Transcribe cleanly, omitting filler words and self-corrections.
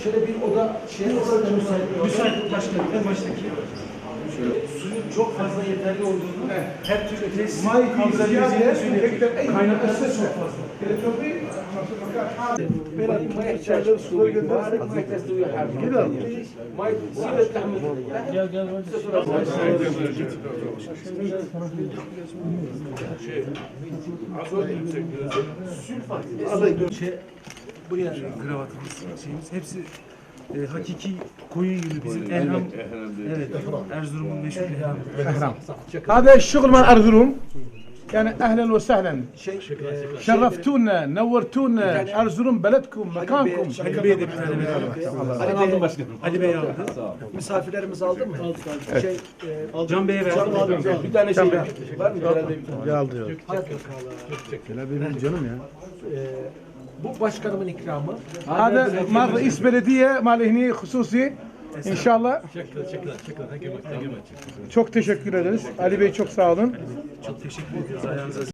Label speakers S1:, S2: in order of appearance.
S1: Şöyle bir oda müsait başkanım. En baştaki. Suyun çok fazla yeterli olduğunu, her türlü tesis kaldırabileceğini söylüyor. Kaynakları çok fazla.
S2: ما يحتاج الصدور جدا ما يحتاج كده ما يصير تعمل
S1: Buraya kravatımız, şeyimiz hepsi hakiki koyun yünü bizim Elham. Evet, Erzurum'un meşhur Elham.
S3: هذا الشغل مال ارزروم يعني اهلا وسهلا شرفتونا نورتونا ارزروم بلدكم مكانكم.
S1: Ali Bey'e de bir tane verelim.
S4: Aldım başkanım.
S1: Ali Bey aldı.
S2: Misafirlerimiz aldı mı? Aldık.
S1: Can Bey'e verdim.
S2: Bir tane şey var mı? Herhalde bir tane.
S3: aldı benim canım ya.
S2: Bu başkanımın ikramı.
S3: هذا مال رئيس بلديه مال هني خصوصي inşallah. Çok teşekkür ederiz. Ali Bey çok sağ olun.
S1: Çok teşekkür ediyoruz. Ayağınıza